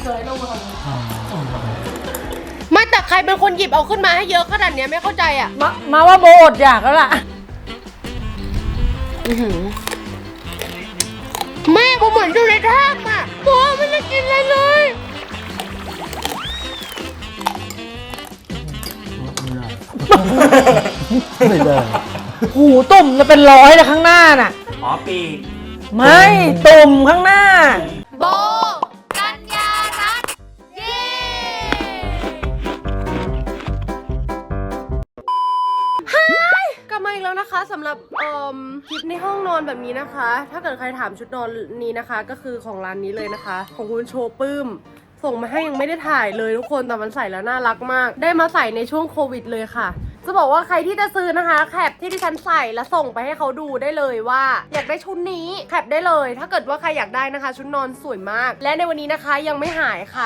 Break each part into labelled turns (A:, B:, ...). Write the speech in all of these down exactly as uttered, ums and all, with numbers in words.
A: เคยลงมาไม่แต่ใครเป็นคนหยิบเอาขึ้นมาให้เยอะขนาดนี้ไม่เข้าใจอ่ะ
B: มามาว่าโบอดอยากแล้วล่ะ
A: แม่โบเหมือนอยู่ในถ้ำอ่ะโบไม่ได้กินอะไรเลย
C: ไม่ได้
B: หูตุ่มจะเป็นร้อยเลยข้างหน้าน่ะ
D: อ๋อปีก
B: ไม่ตุ่มข้างหน้า
A: โบกัญญารัตน์เย้ฮายกลับมาอีกแล้วนะคะสำหรับเอ่อคลิปในห้องนอนแบบนี้นะคะถ้าเกิดใครถามชุดนอนนี้นะคะก็คือของร้านนี้เลยนะคะของคุณโชว์ปื้มส่งมาให้ยังไม่ได้ถ่ายเลยทุกคนแต่มันใส่แล้วน่ารักมากได้มาใส่ในช่วงโควิดเลยค่ะจะบอกว่าใครที่จะซื้อนะคะแคปที่ดิฉันใส่แล้วส่งไปให้เขาดูได้เลยว่าอยากได้ชุดนี้แคปได้เลยถ้าเกิดว่าใครอยากได้นะคะชุดนอนสวยมากและในวันนี้นะคะยังไม่หายค่ะ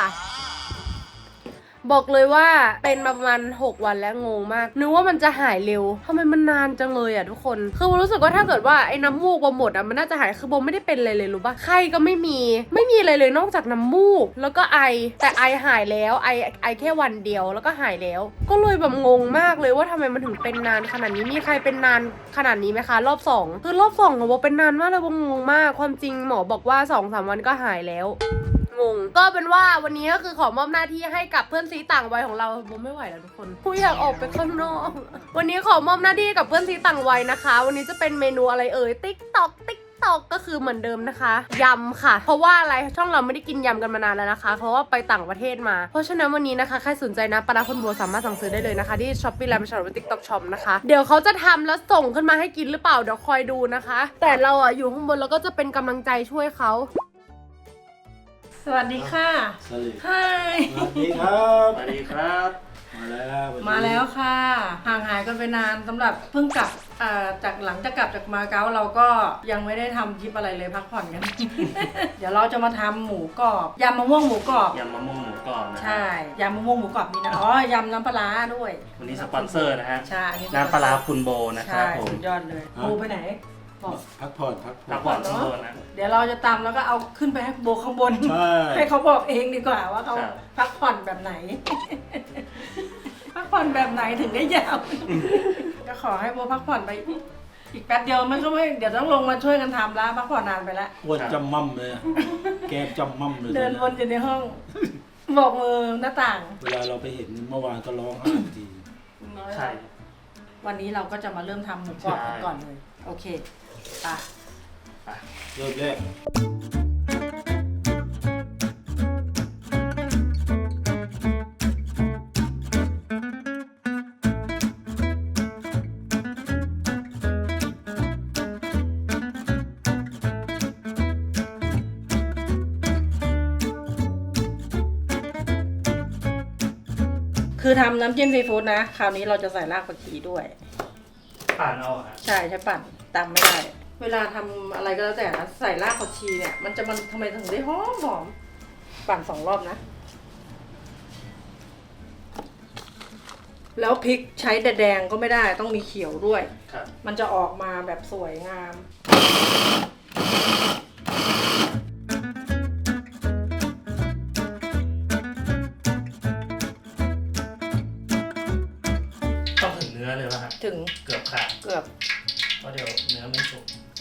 A: บอกเลยว่าเป็นมาประมาณหกวันแล้วงงมากนึกว่ามันจะหายเร็วทำไมมันนานจังเลยอ่ะทุกคนคือรู้สึกว่าถ้าเกิดว่าไอ้น้ำมูกโบหมดอ่ะมันน่าจะหายคือโบไม่ได้เป็นอะไรเลยรู้ปะไข้ก็ไม่มีไม่มีอะไรเลยนอกจากน้ำมูกแล้วก็ไอแต่ไอหายแล้วไอไอแค่วันเดียวแล้วก็หายแล้วก็เลยแบบงงมากเลยว่าทำไมมันถึงเป็นนานขนาดนี้มีใครเป็นนานขนาดนี้ไหมคะรอบสองคือรอบสองของโบเป็นนานมากเลยโบงงมากความจริงหมอบอกว่าสองสามวันก็หายแล้วงงก็เป็นว่าวันนี้ก็คือขอมอบหน้าที่ให้กับเพื่อนซีต่างวัยของเราโบไม่ไหวแล้วทุกคนกูอยากออกไปข้างนอกวันนี้ขอมอบหน้าที่กับเพื่อนซีต่างวัยนะคะวันนี้จะเป็นเมนูอะไรเอ่ยติ๊กตอกติ๊กตอกก็คือเหมือนเดิมนะคะยำค่ะเพราะว่าอะไรช่องเราไม่ได้กินยำกันมานานแล้วนะคะเพราะว่าไปต่างประเทศมาเพราะฉะนั้นวันนี้นะคะใครสนใจนะปลาคนโบสามารถสั่งซื้อได้เลยนะคะที่ช้อปปี้ไลน์ไม่ใช่หรือติ๊กต็อกช็อปนะคะเดี๋ยวเขาจะทำแล้วส่งขึ้นมาให้กินหรือเปล่าเดี๋ยวคอยดูนะคะแต่เราอ่ะอยู่ข้างบนแล้วก็จะเป็นกำลังใจช่วยเขา
B: สวัสดีค่ะ
C: สวัสดี
B: ฮาย
C: สวัสดีครับ
D: สวัสดีครับ
C: มาแล้ว
B: มาแล้วค่ะห่างหายกันไปนานสำหรับเพิ่งกลับจากหลังจากกลับจากมาเก๊าเราก็ยังไม่ได้ทำคลิปอะไรเลยพักผ่อนกัน เดี๋ยวเราจะมาทำหมูกรอบยำมะม่วงหมูกรอบ
D: ยำมะม่วงหมูกรอบนะ
B: ใช่ยำมะม่วงหมูกรอบนี่นะอ๋อยำน้ำปลาด้วย
D: วันนี้สปอนเซอร์นะฮะ
B: ใช่
D: น้ำปลาคุณโบนะครับผม
B: สุดยอดเลยโบไปไหน
C: พักผ่อนพักผ่อน
D: พักผ่อนคุณโบนะ
B: เดี๋ยวเราจะตำแล้วก็เอาขึ้นไปให้โบข้างบนให้เขาบอกเองดีกว่าว่าเขาพักผ่อนแบบไหนพักผ่อนแบบไหนถึงได้ยาวก็ขอให้โบพักผ่อนไปอีกแป๊บเดียวมันก็ไม่เดี๋ยวต้องลงมาช่วยกันทำแล้วพักผ่อนนานไปแล้ว
C: อ้วนจำมั่มเลยแกจำมั่มเลย
B: เดินวนอยู่ในห้องบอกมือหน้าต่าง
C: เวลาเราไปเห็นเมื่อวานก็ร้องไห้ที
D: ใช่
B: วันนี้เราก็จะมาเริ่มทำหมูกรอบกันก่อนเลยโอเคไป
C: เริ่มแรก
B: คือทำน้ำจิ้มซีฟู้ดนะคราวนี้เราจะใส่รากผักชีด้วย
D: ปั่นเอา
B: ใช่ใช่ปั่นตำไม่ได้เวลาทำอะไรก็แล้วแต่นะใส่รากผักชีเนี่ยมันจะมันทำไมถึงได้หอมหอมปั่นสองรอบนะแล้วพริกใช้แดงก็ไม่ได้ต้องมีเขียวด้วยมันจะออกมาแบบสวยงาม
D: เลยป่ะฮะ
B: ถึง
D: เกือบขาด
B: เกือบ
D: เพราะเดี๋ยวเนื้อไม่สุก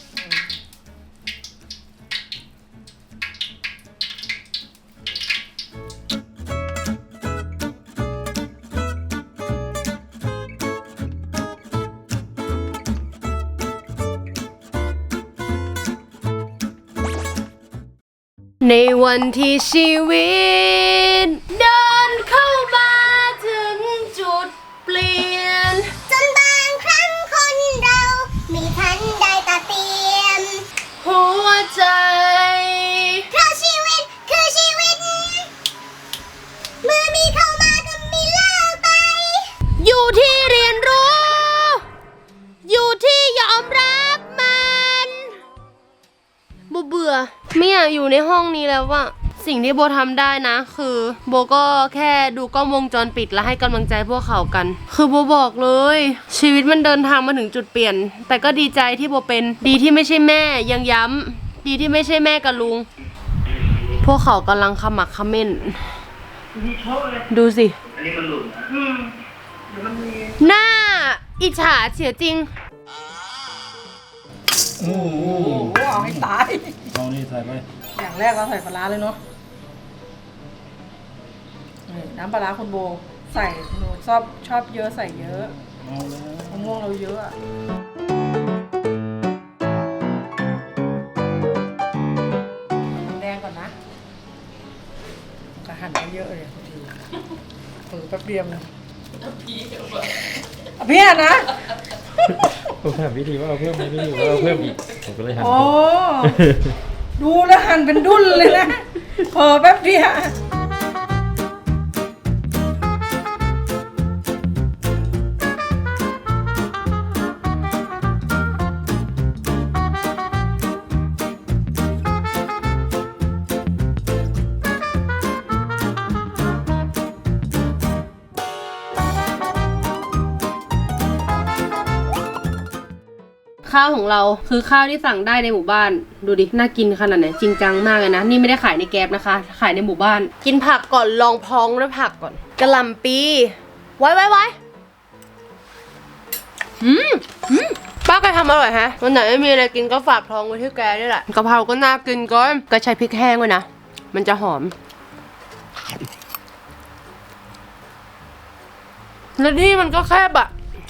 A: ในวันที่ชีวิตเดินเข้ามาถึงจุดเปลี่ยน
E: จนบางครั้งคนเราไม่ทันได้ตัดเตรียม
A: หัวใจ
E: เพราะชีวิตคือชีวิตเมื่อมีเข้ามาก็มีเลิกไป
A: อยู่ที่เรียนรู้อยู่ที่ยอมรับมันบูเบื่อไม่อยากอยู่ในห้องนี้แล้วว่ะสิ่งที่โบทำได้นะคือโบก็แค่ดูกล้องวงจรปิดและให้กำลังใจพวกเขากันคือโบบอกเลยชีวิตมันเดินทางมาถึงจุดเปลี่ยนแต่ก็ดีใจที่โบเป็นดีที่ไม่ใช่แม่ยังย้ำดีที่ไม่ใช่แม่กับลุงพวกเขากำลังขมักเขม้นดูสิ
D: อันนี้มันหลุดนะ
A: หน้าอิจฉาเสียจริง
C: โอ้โห
B: โอ้โหเอาให้ตาย
C: เอานี่ใส่ไป
B: อย่างแรกเราใส่ปลาร้าเลยเนาะนี่น้ำปลาร้าคุณโบ ใส่หนูชอบชอบเยอะใส่เยอะ
C: เอาแล้ว
B: มะม่วงเราเยอะอะแดงก่อนนะจะหั่นไปเยอะเลยทุกทีเออแป๊บเดียวนะเอาพี่อะนะ
F: ผมถามวิธีว่าเอาเพิ่มไหมพี่ว่าเอาเพิ่มอีกผมก็เลยหัน
B: โอ้ ดูแล้วหั่นเป็นดุ้นเลยนะเออแป๊บเดียว
A: ข้าวของเราคือข้าวที่สั่งได้ในหมู่บ้านดูดิน่ากินขนาดไหนจริงจังมากเลยนะนี่ไม่ได้ขายในแก๊ปนะคะ ขายในหมู่บ้าน กินผักก่อนลองพองด้วยผักก่อนกะหล่ำปีไว้ไว้ไว้อืมอืมป้าแกทำอร่อยฮะวันไหนไม่มีอะไรกินก็ฝากท้องไว้ที่แกนี่แหละกะเพราก็น่ากินก็แกใช้พริกแห้งไว้นะมันจะหอมแล้วนี่มันก็แคบอะ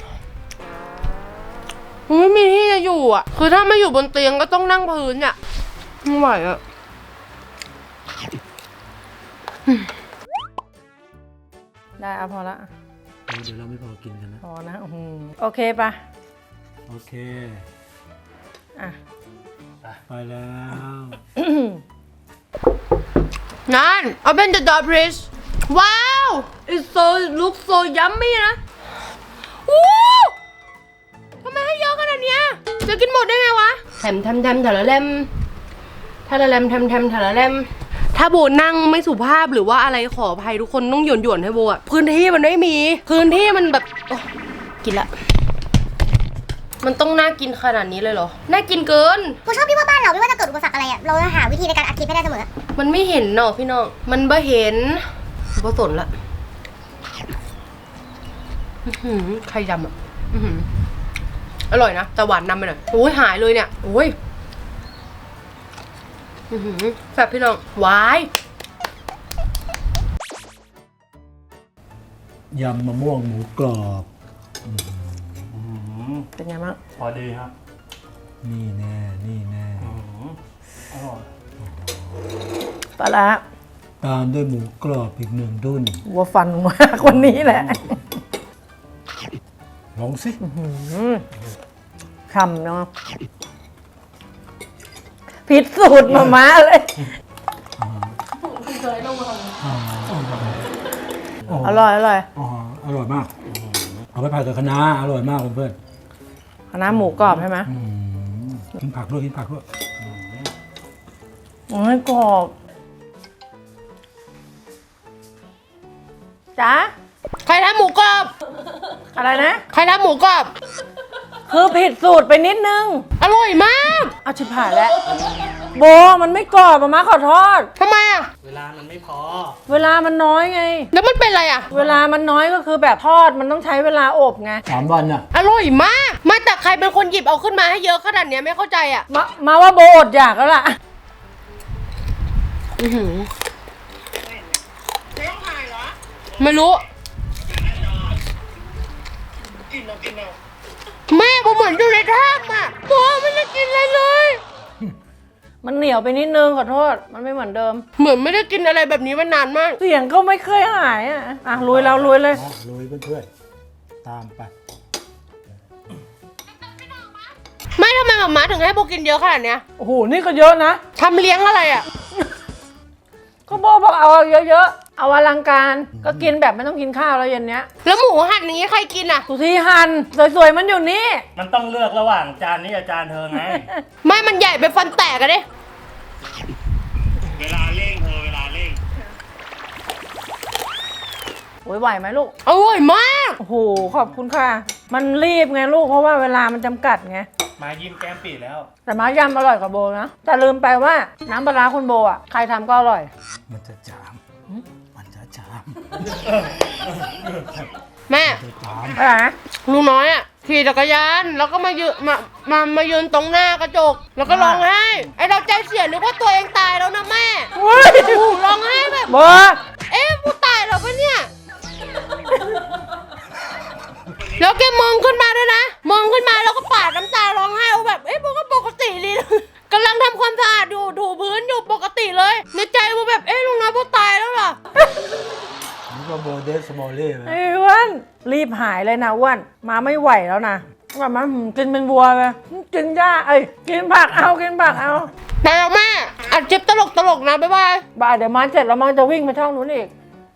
A: ไม่มีที่จะอยู่อ่ะคือถ้าไม่อยู่บนเตียงก็ต้องนั่งพื้นอ่ะไม่ไหวอ่ะ
B: ได้เอาพอละ
C: เดี๋ยวเราไม่พอกินกันนะ
B: พอนะโอ้โหโอเคปะ
C: โอเค
B: อ่ะ
C: ไปแล้ว
A: นั่น open the door please wow it's so looks so yummy นะวู้ทำไมให้เยอะขนาดเนี้ยจะกินหมดได้ไงวะแถมแถมแถมถะละเล่มถะละเล่มแถมแถมถะละเล่มถ้าโบนั่งไม่สุภาพหรือว่าอะไรขออภัยทุกคนต้องหย่อนหย่อนให้โบอะพื้นที่มันไม่มีพื้นที่มันแบบโอ้กินละมันต้องน่ากินขนาดนี้เลยเหรอน่ากินเกิน
E: กูชอบที่ว่าบ้านเราไม่ว่าจะเกิดอุปสรรคอะไรอะเราจะหาวิธีในการอัดคลิปให้ได้เสมอ
A: มันไม่เห็นเนาะพี่น้องมันบ่เห็นบ่สนละอื้อหือไข่ดำอ่ะอื้อหืออร่อยนะแต่หวานนำไปหน่อยโอ้ยหายเลยเนี่ยโอ้ยอื้อหือแซ่บพี่น้องหวาย
C: ยำมะม่วงหมูกรอบ
B: เป็นไงบ้าง
D: พอดีครับ
C: นี่แน่นี่แน่
D: อืมอร่อย
B: ปลาร้า
C: ตามด้วยหมูกรอบอีกหนึ่งดุ้น
B: วัวฟันมากคนนี้แหละ
C: ลองสิ
B: คำเนาะผิดสูตรมาม่าเลยอร่อยอร่อย
C: อ๋ออร่อยมาก เอาไปผัดกับคะน้าอร่อยมากเพื่อน
B: คณะหมูกรอบใช่ไหม
C: ๆอืมกินผักด้วยกินผักด้วย
B: โอ้ยกรอบจ้า
A: ใครทำหมูกรอบ
B: อะไรนะ
A: ใครทำหมูกรอบ
B: คือผิดสูตรไปนิดนึง
A: อร่อยมาก
B: เอาชิบหายแล้วโบมันไม่กรอบมาม่าขอโทษ
A: ทำไมอ่ะ
D: เวลามันไม่พอ
B: เวลามันน้อยไง
A: แล้วมันเป็นอะไรอ่ะ
B: เวลามันน้อยก็คือแบบทอดมันต้องใช้เวลาอบไง
C: สามวันน่ะ
A: อร่อยมากไม่แต่ใครเป็นคนหยิบเอาขึ้นมาให้เยอะขนาดเนี้ยไม่เข้าใจอ่ะ
B: มามาว่าโบอดอยากแล้วล่ะ
A: อือหือไม่รู้แม่ผมเหมือนอยู่ในถ้ำอ่ะโอ้ไม่ได้กินอะไรเลย
B: มันเหนียวไปนิดนึงขอโทษ มันไม่เหมือนเดิม
A: เหมือนไม่ได้กินอะไรแบบนี้มานานมาก
B: เสียงก็ไม่เคยหายอ่ะ อ่ะลุยเราลุยเลย
C: อ๋อโรยเพื่อนๆ ตามไป
A: ไม่ทำไมหมาม้าถึงให้โบกินเยอะขนาดเนี้ย
B: โอ้โห นี่ก็เยอะนะ
A: ทำเลี้ยงอะไรอ่ะ
B: ก็โบบอกเอาเยอะๆ เอาอลังการ ก็กินแบบไม่ต้องกินข้าวแล้วเย็นเนี้ย
A: แล้วหมูหั่นอย่างนี้ใครกินอ่ะ
B: สุธีหันสวยๆ มันอยู่นี่
D: มันต้องเลือกระหว่างจานนี้กับจานเธอไง
A: ไม่มันใหญ่ไปฟันแตกกันดิ
D: เวลาเร่งเธอเวลาเร่ง
B: โอ้ยไหวไหมลูก
A: อร่อยมาก
B: โอ้โห ขอบคุณค่ะ มันรีบไงลูก เพราะว่าเวลามันจำกัดไง
G: มายิ้มแก้มปีแล้ว
B: แต่มายำอร่อยกว่าโบนะแต่ลืมไปว่าน้ำปลาร้าคุณโบอ่ะใครทำก็อร่อย
C: มันจะจามมันจะจาม
A: แม่
C: จะจาม
B: อะไรนะ
A: ลุงน้อยอ่ะขี่จักรยานแล้วก็มายืนมามามายืนตรงหน้ากระจก แล้วก็ร้องไห้ไอเราใจเสียนึกว่าตัวเองตายแล้วนะแม่โอ้โหร้องไห้แบบ
B: โบ
A: เอ๊ะกูตายแล้วปะเนี่ยแล้วแกมองขึ้นมาด้วยนะมองขึ้นมาแล้วก็ปาดน้ำตาร้องไห้เอาแบบเอ๊ะโบก็ปกติดีกำลังทำความสะอาดอยู่ถูพื้นอยู่ปกติเลยในใจโบแบบเอ๊ะลุงน้อยโบตายแล้วเหรอ
C: นี่ก็โบเดสสมอลเล่ไหม
B: ไอ้อ้วนรีบหายเลยนะอ้วนมาไม่ไหวแล้วนะแบบมันกินเป็นวัวเลยกินหญ้าเอ้ยกินผักเอากินผักเอา
A: ไปแล้วแม่อัดคลิปตลกตลกๆนะบ๊ายบาย
B: บ่ายเดี๋ยวมาเสร็จแล้วมันจะวิ่งไปช่องนู้นอีก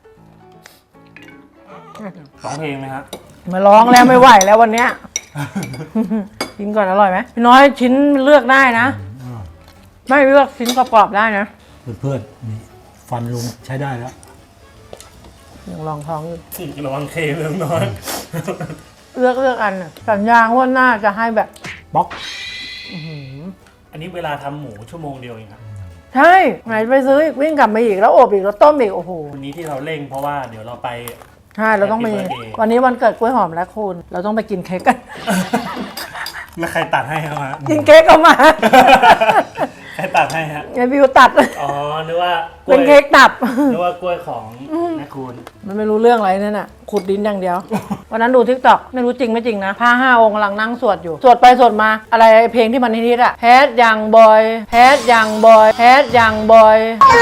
G: ร้องเพลงไหมครับ
B: มาร้องแล้วไม่ไหวแล้ววันเนี้ย กินก่อนอร่อยไหมพี่น้อยชิ้นเลือกได้นะ
C: อ่า
B: ไม่เลือกชิ้นกรอบๆได้นะ
C: เพื่อนๆนี่ฟันลุงใช้ได้แล้ว
B: ยังลองท้องอยู่
G: ระวังเคเรื่องน้อย
B: เลือกเลือกอันน่ะสัญญาว่าหน้าจะให้แบบ
C: บ๊อก
G: อันนี้เวลาทำหมูชั่วโมงเดียวเองครับ
B: ใช่ไหนไปซื้ออีกวิ่งกลับมาอีกแล้วอบอีกแล้วต้มอีกโอ้โห
G: วันนี้ที่เราเร่งเพราะว่าเดี๋ยวเราไป
B: ใช่เราต้องไป
G: Happy birthday
B: วันนี้วันเกิดกล้วยหอมและคุณ เราต้องไปกินเค้กกัน
G: แล้วใครตัดให้ครับฮะ
B: กินเค้กก็มา
G: ใครตัดให้ฮะ
B: ไงบิวตัด
G: อ๋อนึกว่ากล้
B: เป็
G: วย
B: นเค้กตับ
G: นึกว่ากล้วยของแม่คุณ
B: มันไม่รู้เรื่องอะไรนั่นน่ะขุดดินอย่างเดียว วันนั้นดูทิกตอกไม่รู้จริงไม่จริงนะพระห้าองค์กำลังนั่งสวดอยู่ สวดไปสวดมา อะไรเพลงที่มันฮิตๆอะแฮดยังบอยแฮดยังบอยแฮดยังบอย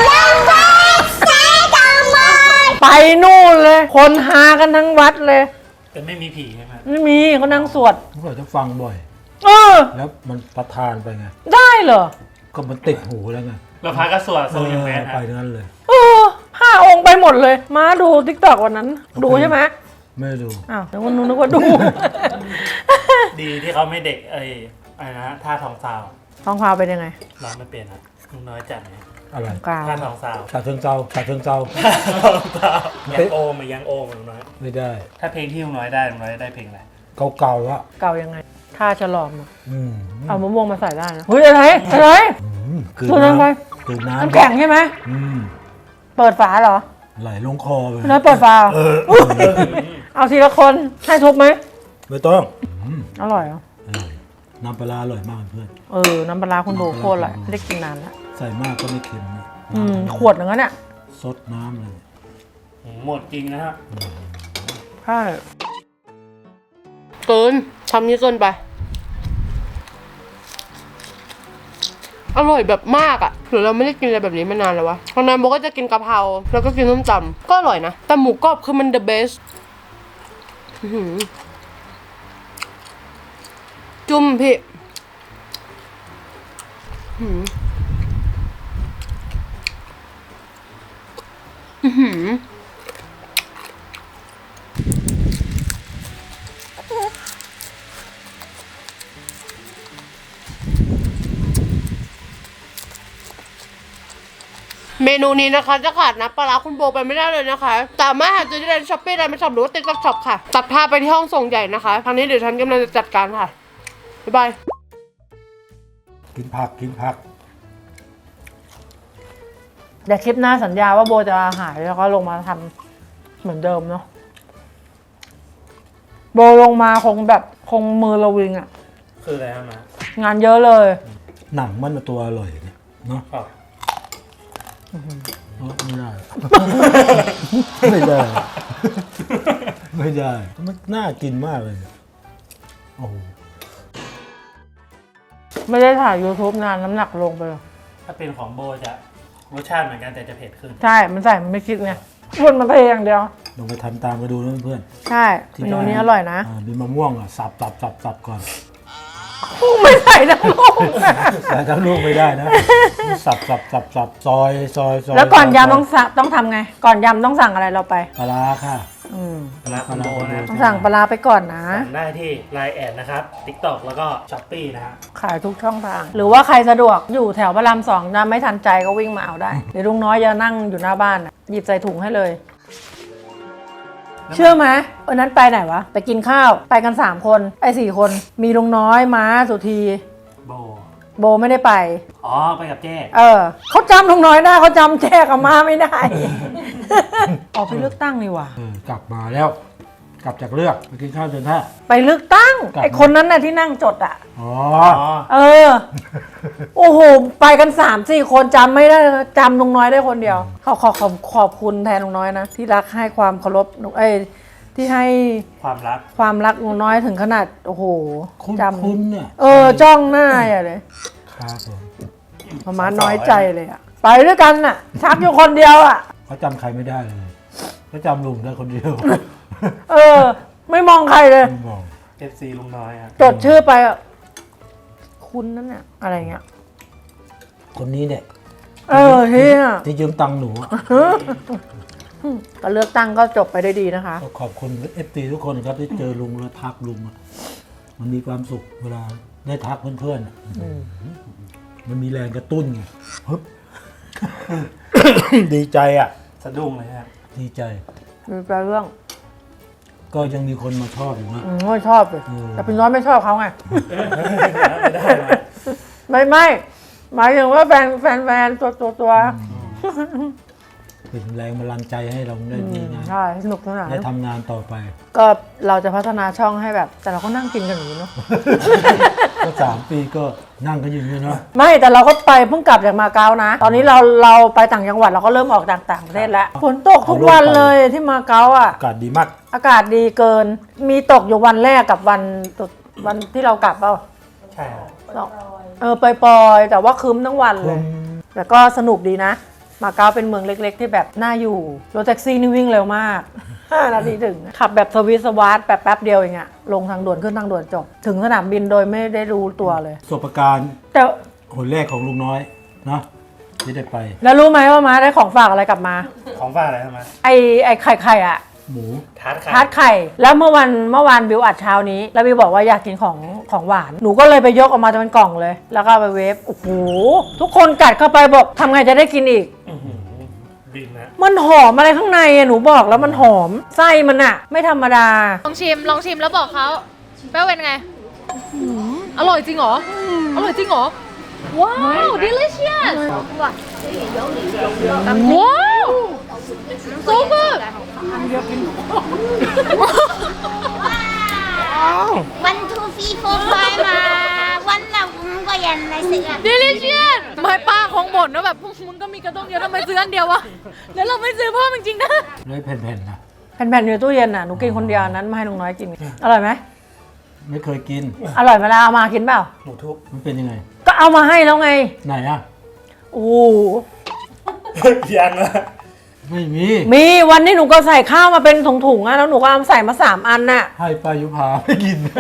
B: ไปนู่นเลย คนหากันทั้งวัดเลย
G: แต่ไม่มีผีใช่ไหม
B: ไม่มีเขานั่งสวด
C: เราจะฟังบ่อย
B: เออ
C: แล้วมันประทานไปไง
B: ได้เหรอ
C: ก็มันติดหูแล้วไง
G: เราพาก็สวดโซยังแมน
C: ไป
G: ฮะ
C: นั้นเลย
B: เออห้าองค์ไปหมดเลย มาดูทิกตอกวันนั้น ดูใช่ไหม
C: ไม่ดู
B: อ้าวแต่วันนู้นนึกว่าดู
G: ดีที่เขาไม่เด็กเอ้ยอะไรนะฮะท่าทองซาว
B: ท้องพาวเป็นยังไง
G: ร้องไม่เป็นครับลุงน้อยจัดไหม
C: อะไร
B: กลาง
G: ท่าทองซาว
C: ฉาเชิงเซาฉาเชิงเซา
G: ยังโอมอะยังโอมอะลุงน้อย
C: ไม่ได้
G: ถ้าเพลงที่ลุงน้อยได้ลุงน้อยได้เพลงอะไร
C: เก่าๆอะ
B: เก่ายังไงท่าฉลอมอะ
C: อืม
B: เอามะม่วงมาใส่ได้นะเฮ้ยอะไรอะไร
C: อืมกลืน
B: ตัวนั้นไป
C: น้ำกลืนน้ำ
B: น้ำแข็งใช่ไหม
C: อืม
B: เปิดฝาเหรอ
C: ไหลลงคอไป
B: น้อยเปิดฝา
C: เออ
B: เอาทีละคนให้ทุบไหม
C: ไม่ต้องอืม
B: อร่อยเหรอ
C: อร่อยน้ำปลาร้าอร่อยมากเพื่อน
B: เออน้ำปลาร้าคุณโบโคตรอร่อยไม่ได้กินนานแล้ว
C: ใส่มากก็ไม่เค็มนะ
B: อืมขวดหนึ่งอะเนี่ย
C: ซดน้ำเลย
G: หมดจริงนะฮะ
B: ใช่
A: เกินทำนี้เกินไป อร่อยแบบมากอะหรือเราไม่ได้กินอะไรแบบนี้มานานแล้ววะตอนนั้นโบก็จะกินกะเพราแล้วก็กินส้มตำก็อร่อยนะ แต่หมูกรอบคือมัน the best อื้อหือจุ่มพี่อื้อหืออื้อหือเมนูนี้นะคะจะขาดนะปลาร้าคุณโบไปไม่ได้เลยนะคะสามารถหาซื้อที่ร้านช้อปปี้ร้านไม่ช็อปหรือว่าติ๊กต็อกช็อปค่ะ ตัดภาพไปที่ห้องส่งใหญ่นะคะทางนี้เดี๋ยวฉันกำลังจะจัดการค่ะ บ๊ายบาย
C: กินผักกินผัก
B: เดี๋ยวคลิปหน้าสัญญาว่าโบจะหายแล้วก็ลงมาทำเหมือนเดิมเนาะโบลงมาคงแบบคงมือระวิงอะ
G: คืออะไรฮะมาง
B: านเยอะเลย
C: หนังมันตัวอร่อยเนี่ยเนาะ
G: ครับ
C: เออไม่ได้ ไม่ได้ ไม่ได้มันน่ากินมากเลยโอ้โห
B: ไม่ได้ถ่าย YouTube นานน้ำหนักลงไปเลย
G: ถ้าเป็นของโบจะรสชาติเหมือนกันแต่จะเผ็ดขึ้น
B: ใช่ มันใส่มันไม่คิดไงวนมาเทอย่างเดียว
C: ลองไปทำตามมาดูนะเพื่อน
B: ใช่เมนูนี้อร่อยนะ
C: ามีมะม่วงอ่ะสับสับสับสับก่อน
B: ไม่ใส่ทั้งลูก
C: ใส่ทั้งลูกไม่ได้นะ สับสับสับสับซอยซอยซอย
B: แล้วก่อน
C: ซ
B: ยำต้องสั่งต้องทำไง ก่อนยำต้องสั่งอะไรเราไป
C: ปลาร้าค่ะ
B: อืม
G: ปลาร้าคุณโบนะ
B: ต้องสั่งปลาร้าไปก่อนนะ
G: สั่งได้ที่ ไลน์ แอดนะครับ TikTok แล้วก็ Shopee นะฮะ
B: ขายทุกช่องทาง หรือว่าใครสะดวกอยู่แถวพระรามสองนะไม่ทันใจก็วิ่งมาเอาได้ เดี๋ยวลุงน้อยจะนั่งอยู่หน้าบ้านน่ะหยิบใส่ถุงให้เลยเชื่อไหมวันนั้นไปไหนวะ ไปกินข้าว ไปกันสามคน ไอ้สี่คน มีลุงน้อยม้าสุธี
G: โบ
B: โบไม่ได้ไป
G: อ๋อไปกับแจ้
B: เออเขาจำลุงน้อยได้เขาจำแจ้กับม้าไม่ได้ ออกไปเลือกตั้งนี่หว่า
C: เออกลับมาแล้ว กลับจากเลือกไปกินข้าวจนท่า
B: ไปเลือกตั้ง
C: กลับ
B: ไอ้คนนั้นน่ะที่นั่งจดอ่ะ
C: อ๋อ
G: อ๋อ
B: เออ โอ้โห ไปกันสามสี่คนจำไม่ได้จำลุงน้อยได้คนเดียว ขอขอขอบขอบคุณแทนลุงน้อยนะ ที่รักให้ความเคารพลุงเอ้ยที่ให้
G: ความรัก
B: ความรักลุงน้อยถึงขนาด โอ้โห
C: คุณ
B: จ
C: คุณเนี่ย
B: ำเออ จ้องหน้าอย่าเลย
C: ครับผม
B: ประมาณน้อยใจเลยอ่ะ ไปด้วยกันน่ะ ชักอยู่คนเดียวอ่ะ
C: เขาจำใครไม่ได้เลยเขาจำลุงได้คนเดียว
B: เออ ไม่มองใครเลย
C: ไม่บอก
G: เอฟซีลุงน้อยครับ
B: จดชื่อไปอ่ะ คุณนั่นน่ะอะไรเงี้ย
C: คนนี้เนี่ย
B: เออเฮีย
C: ที่ยืมตังค์หนูอะ
B: ก็เลือกตั้งก็จบไปได้ดีนะคะ
C: ก็ขอบคุณเอฟซีทุกคนครับที่เจอลุงแล้วทักลุงอะมันมีความสุขเวลาได้ทักเพื่อนๆอะมันมีแรงกระตุ้นไงฮึบ ดีใจอ่ะ
G: สะดุ้งเลยครับ
C: ดีใจ
B: มีแปลเรื่อง
C: ก็ยังมีคนมาชอบอยู่นะ
B: อืมไม่ชอบเลย
C: อืม
B: แต่พี่น้อยไม่ชอบเขาไง
G: ไม่ได้ไหม
B: ไม่ไม่หมายถึงว่าแฟนแฟนแฟนตัวตัวตัว
C: เป็นแรงบันดาลใจให้เราได้ดีงาน
B: ใช่สนุกสนาน
C: ได้ทำงานต่อไป
B: ก็เราจะพัฒนาช่องให้แบบ แต่เราก็นั่งกินกันอย่างนี้เนาะ
C: ก็สามปีก็นั่งกันอยู่นี่เนาะ
B: ไม่แต่เราก็ไปเพิ่งกลับจากมาเก๊านะ ตอนนี้เราเราไปต่างจังหวัดเราก็เริ่มออกต่างต่างประเทศแล้วฝนตกทุกวันเลยที่มาเก๊าอ่ะ
C: อากาศดีมาก
B: อากาศดีเกิน มีตกอยู่วันแรกกับวันตุดวันที่เรากลับเปล่า
G: ใช่ครับ
B: สองเออปล่อยๆแต่ว่าคืมทั้งวันเลย แต่ก็สนุกดีนะ มาเก๊าเป็นเมืองเล็กๆ ที่แบบน่าอยู่ รถแท็กซี่นี่วิ่งเร็วมาก ห้านาทีถึง ขับแบบสวิสวาร์ทแบบแป๊บเดียวเองอะลงทางด่วนขึ้นทางด่วนจบ ถึงสนามบินโดยไม่ได้รู้ตัวเลย
C: ประสบการณ์
B: แต่
C: คนแรกของลุงน้อยเนาะที่ได้ไป
B: แล้วรู้ไหมว่ามาได้ของฝากอะไรกลับมา
G: ของฝากอะไรทำไม
B: ไอไอไข่ไข่อะ
C: หมู
G: ทาร์ตไข่
B: ทาร์ตไข่ แล้วเมื่อวันเมื่อวานบิวอัดเช้านี้ แล้วบิวบอกว่าอยากกินของของหวาน หนูก็เลยไปยกออกมาเป็นกล่องเลย แล้วก็เอาไปเวฟ โอ้โห ทุกคนกัดเข้าไปบอกทำไงจะได้กินอีก
G: อื้อหือบินนะ
B: มันหอมอะไรข้างในอะหนูบอกแล้วมันหอม ไส้มันอะไม่ธรรมดา
A: ลองชิม ลองชิมแล้วบอกเขาแป้วเป็นไงอืมอร่อยจริงเหรอ อร่อยจริงเหรอ ว้าว delicious ว้าว so good
E: วันทูฟีโฟร์ไฟมาวันละอุ้งก็ยันในเสือ
A: delicious ไม่ป้าคงบ่นว่าแบบพวกมึงก็มีกระต้มเยอะทำไมซื้ออันเดียววะ แล้วเราไม่ซื้อเพิ่มจริงๆนะ
C: เลยแผ่นๆนะ
B: แผ่นๆอยู่ในตู้เย็นน่ะ หนูกินคนเดียวอันนั้นมาให้ลุงน้อยกิน อร่อยไหม
C: ไม่เคยกิน
B: อร่อยเวลาเอามากินเปล่า
G: หมูทุบ
C: มันเป็นยังไง
B: ก็เอามาให้แล้วไง
C: ไหนอะ
B: โอ้โห
G: ยังนะ
C: ไม่มี
B: มีวันนี้หนูก็ใส่ข้าวมาเป็นถุงๆอะแล้วหนูก็เอาใส่มาสามอันน่ะ
C: ให้ปายุพาไม่กิน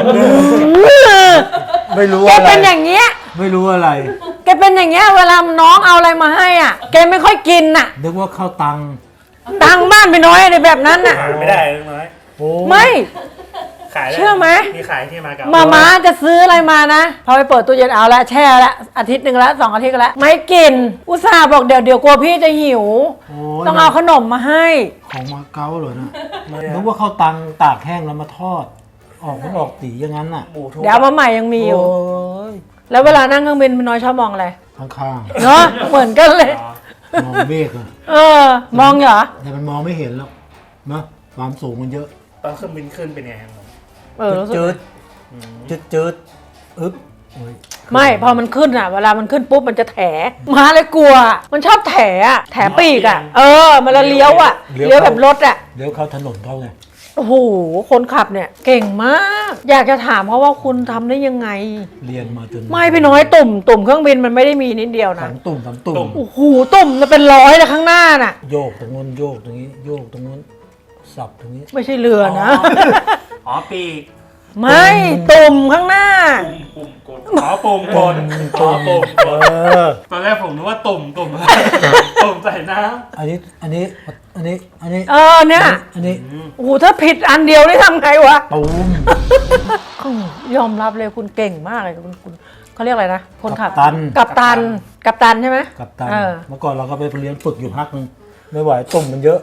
C: ไม่รู้
B: แก
C: อะไร
B: เป็นอย่างเงี้ย
C: ไม่รู้อะไร
B: แกเป็นอย่างเงี้ย เวลาน้องเอาอะไรมาให้อ่ะ แกไม่ค่อยกินน่ะ
C: นึกว่าข้าวตัง
B: ตังบ้านไปน้อยอะไรแบบนั้นน่ะ
G: หาไม่ได้ลุงน้อย
C: โอ้
B: ไม่
G: ขายด้
B: เชื่อไหม
G: มีขายที่มาเก๊า
B: มาม้าจะซื้ออะไรมานะ พอไปเปิดตู้เย็นเอาละแช่ละอาทิตย์หนึ่งละสองอาทิตย์ก็ละไม่กิน อุตส่าห์บอกเดี๋ยวเดี๋ยวกลัวพี่จะหิว
C: โห
B: ต้องเอาขนมมาให้
C: ของมาเก๊าเหรอนะนึกว่าข้าวตังตากแห้งแล้วมาทอด ออกมันออกสีอย่างนั้นน่ะ
G: หมูทุบ
B: เดี๋ยวเอามาใหม่ยังมีอยู่
C: โอ้ย
B: แล้วเวลานั่งเครื่องบินพี่น้อยชอบมองอะไร
C: ข้าง
B: เนาะเหมือนกันเลย
G: อ๋อ
C: ๆมองเมฆอะ
B: เออ มองเหรอ
C: แต่มันมองไม่เห็นหรอกนะความสูงมันเยอะ
G: ตอนเครื่องบินขึ้นเป็นไงครับผม
B: เออรู้สึก
C: จืดจืดจืดอึ๊บโอ้ย
B: ไม่พอมันขึ้นอ่ะ เวลามันขึ้นปุ๊บมันจะแถม้าเลยกลัว มันชอบแถอ่ะแถปีกอ่ะ เออ มันละเลี้ยวอ่ะเลี้ยวแบบรถอ่ะ
C: เดี๋ยวเข้าถนนเขาไง
B: โอ้โห คนขับเนี่ยเก่งมาก อยากจะถามเขาว่าคุณทำได้ยังไง
C: เรียนมาจน
B: ไม่พี่น้อยตุ่ม ตุ่มเครื่องบินมันไม่ได้มีนิดเดียว
C: ส
B: นะ
C: องตุ่มสามตุ่ม
B: โอ้โห ตุ่มจะเป็นร้อยเลยข้างหน้าน่ะ
C: โยกตรงนู้นโยกตรงนี้ โยกตรงนู้นสับตรงนี้
B: ไม่ใช่เรือนะ
G: อ๋อปีก
B: ไม่ตุ่มข้างหน้า
G: ปุ่มกดอ๋อปุ่มกดอ๋อปุ่มกด
C: เออ
G: ตอนแรกผมนึกว่าตุ่มตุ่ม ตุ่มใส่น้
C: อันนี้อันนี้อันนี้อันนี้
B: เออเนี่ย
C: อันนี้
B: โอ้โหถ้าผิดอันเดียวนี่ทำไงวะ
C: ตูม
B: อืมยอมรับเลยคุณเก่งมากเลยคุณคุณเขาเรียกอะไรนะ คนขับ
C: กัปตัน
B: กัปตัน กัปตันใช่ไหม
C: กับตัน
B: เออ
C: เมื่อก่อนเราก็ไปเรียนฝึกอยู่พักนึงไม่ไหวตุ่มมันเยอะ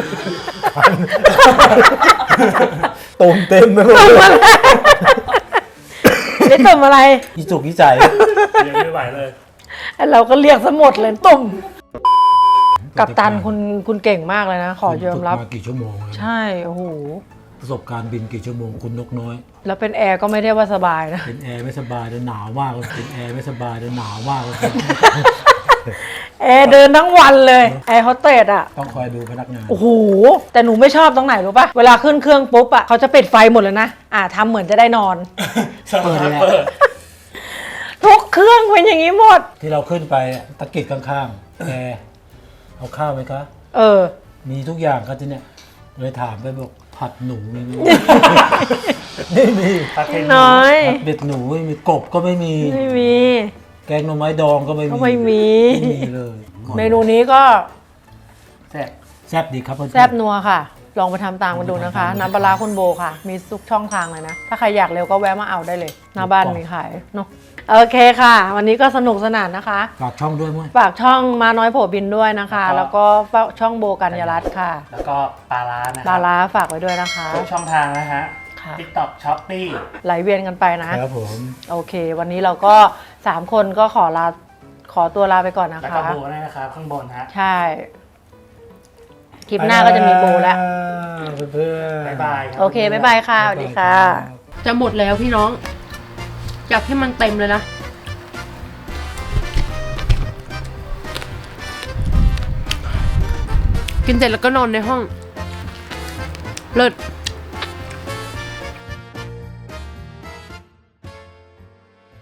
C: ตุ่มเต็มไปหมดเลย
B: ได้ตุ่มอะไร
C: อีจุกอีใจ
G: เลี้ยงไม่ไหวเลย
B: เราก็เรียกซะหมดเลยตุ่มกับตันคุณคุณเก่งมากเลยนะ ขอยอมรับ
C: ฝึกมากี่ชั่วโมงแล้ว
B: ใช่โอ้โห
C: ประสบการณ์บินกี่ชั่วโมงคุณนกน้อย
B: แล้วเป็นแอร์ก็ไม่ได้ว่าสบายนะ
C: เป็นแอร์ไม่สบายเลยหนาวมากเลยเป็นแอร์ไม่สบายเลยหนาวมากเลย
B: แอร์เดินทั้งวันเลยแอร์โฮสเตสอ่ะ
C: ต้องคอยดูพนักงาน
B: โอ้โหแต่หนูไม่ชอบตรงไหนรู้ปะเวลาขึ้นเครื่องปุ๊บอ่ะเขาจะปิดไฟหมดเลยนะอ่าทำเหมือนจะได้นอน
C: เปิดเลย
G: เปิด
B: ทุกเครื่องเป็นอย่างนี้หมด
C: ที่เราขึ้นไปตะกิดข้างๆแอร์เอาข้าวไหมคะ
B: เออ
C: มีทุกอย่างครับที่เนี่ยเลยถามไปบอกผัดหนูมีไหม ไม่มี
G: ปลาเค็ม
B: น้อย
C: ผัดเบ็ดหนูไม่มีกบก็ไม่มี
B: ไม่มี
C: แกงหน่อไม้ดองก็ไม่มี
B: ก็ไม่มี
C: ไม่มีเลย
B: เมนูนี้ก็
G: แซ่บ
C: แซ่บดีครับเพื่อนๆ
B: แซบนัวค่ะ ลองไปทำตามกันดูนะคะ น้ำปลาร้าคุณโบค่ะ มีทุกช่องทางเลยนะ ถ้าใครอยากเร็วก็แวะมาเอาได้เลย หน้าบ้านมีขายเนาะโอเคค่ะ วันนี้ก็สนุกสนานนะคะ
C: ฝากช่องด้วยมั้ย
B: ฝากช่องมาน้อยโผบินด้วยนะคะ แล้วก็ช่องโบกัญญารัตน์ค่ะ
G: แล้วก็ปลาร้านะค
B: ปลา
G: รับ
B: ร้าฝากไว้ด้วยนะคะ
G: ทุกช่องทางนะฮะ
B: ค่ะ
G: TikTok Shopee
B: ไหลเวียนกันไปนะ
C: ครับผม
B: โอเค วันนี้เราก็สามคนก็ขอลาขอตัวลาไปก่อนนะ
G: แล้ว
B: คะ
G: ก็โบด้วยนะครับ ข้างบนฮะ
B: ใช่ คลิปหน้าก็จะมีโบแล้ว
C: เพื่อนๆ
G: บ๊ายบายรับ
B: โอเค บ๊ายบายค่ะ สวัสดีค่ะ
A: จะหมดแล้วพี่น้องอยากให้มันเต็มเลยนะ กินเสร็จแล้วก็นอนในห้อง เลิศ